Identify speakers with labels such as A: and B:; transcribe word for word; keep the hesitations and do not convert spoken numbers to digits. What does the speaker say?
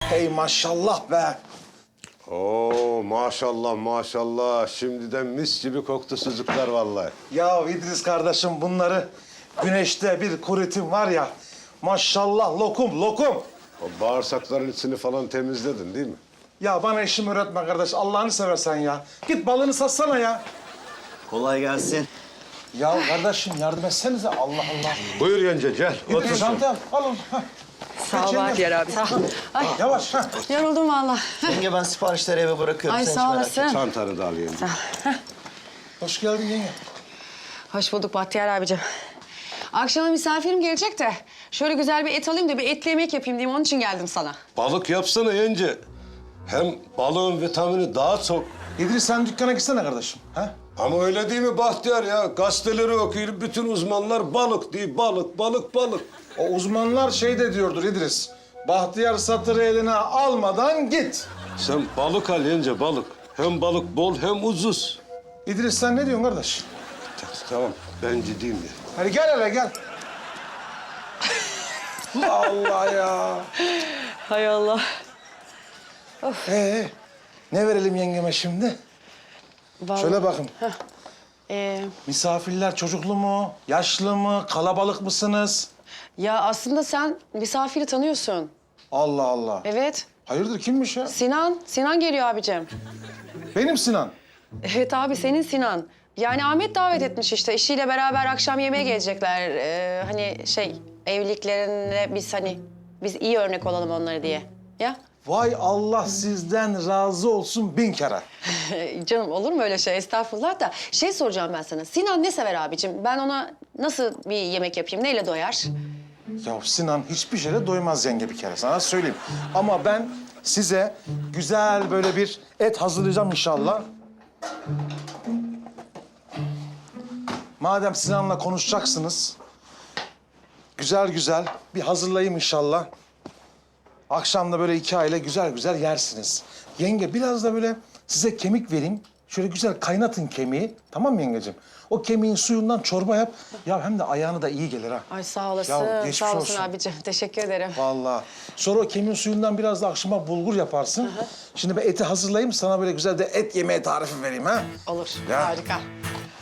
A: Hey maşallah be.
B: Oo maşallah maşallah. Şimdiden mis gibi koktu sucuklar vallahi.
A: Ya İdris kardeşim bunları güneşte bir kuritim var ya. Maşallah lokum lokum.
B: O bağırsakların içini falan temizledin değil mi?
A: Ya bana işimi öğretme kardeş. Allah'ını seversen ya. Git balını satsana ya.
C: Kolay gelsin.
A: Ya kardeşim yardım etsenize. Allah Allah.
B: Buyur yenge gel. Otur
A: İdris
B: sen.
A: çantayı al. Al onu. Hah.
D: Sağ ol
A: Geç yenge.
D: Bahtiyar abi. Sağ ol. Ay
A: Yavaş. Hah.
D: yoruldum valla.
C: Yenge ben siparişleri eve bırakıyorum.
D: Ay
C: sen hiç
D: sağ
C: merak etme.
D: olasın.
B: Çantanı da al yenge.
A: Hoş geldin yenge.
D: Hoş bulduk Bahtiyar abicim. Akşama misafirim gelecek de şöyle güzel bir et alayım da bir etli yemek yapayım diyeyim. Onun için geldim sana.
B: Balık yapsana yenge. Hem balığın vitamini daha çok.
A: İdris sen dükkana gitsene kardeşim. Ha?
B: Ama öyle değil mi Bahtiyar ya? Gazeteleri okuyup bütün uzmanlar balık diye balık, balık, balık.
A: O uzmanlar şey de diyordur İdris. Bahtiyar satırı eline almadan git.
B: Sen balık al yenge balık. Hem balık bol hem ucuz.
A: İdris sen ne diyorsun kardeş?
B: Tamam ben gideyim ya.
A: Hadi gel hele gel. Allah ya.
D: Hay Allah.
A: Ee, ne verelim yengeme şimdi?
D: Vallahi-
A: Şöyle bakın.
D: Ee,
A: Misafirler çocuklu mu, yaşlı mı, kalabalık mısınız?
D: ya aslında sen misafiri tanıyorsun.
A: Allah Allah.
D: Evet.
A: Hayırdır kimmiş ya?
D: Sinan. Sinan geliyor abicim.
A: Benim Sinan.
D: Evet abi senin Sinan. Yani Ahmet davet etmiş işte. Eşiyle beraber akşam yemeğe gelecekler. Ee, hani şey evliliklerinde biz hani biz iyi örnek olalım onlara diye. Ya
A: Vay Allah sizden razı olsun bin kere.
D: canım olur mu öyle şey? Estağfurullah da. Şey soracağım ben sana. Sinan ne sever abicim? Ben ona nasıl bir yemek yapayım? Neyle doyar?
A: Ya Sinan hiçbir şeyle doymaz yenge bir kere sana söyleyeyim. Ama ben size güzel böyle bir et hazırlayacağım inşallah. Madem Sinan'la konuşacaksınız, güzel güzel bir hazırlayayım inşallah. Akşam da böyle iki aile güzel güzel yersiniz. Yenge biraz da böyle size kemik vereyim. Şöyle güzel kaynatın kemiği. Tamam mı yengeciğim? O kemiğin suyundan çorba yap. Ya hem de ayağına da iyi gelir ha.
D: Ay sağ olasın.
A: Ya, geçmiş
D: sağ olasın
A: olsun.
D: abicim. Teşekkür ederim.
A: Vallahi. Sonra o kemiğin suyundan biraz da akşama bulgur yaparsın. Şimdi ben eti hazırlayayım. Sana böyle güzel de et yemeği tarifi vereyim ha.
D: Olur.
A: Ya.
D: Harika.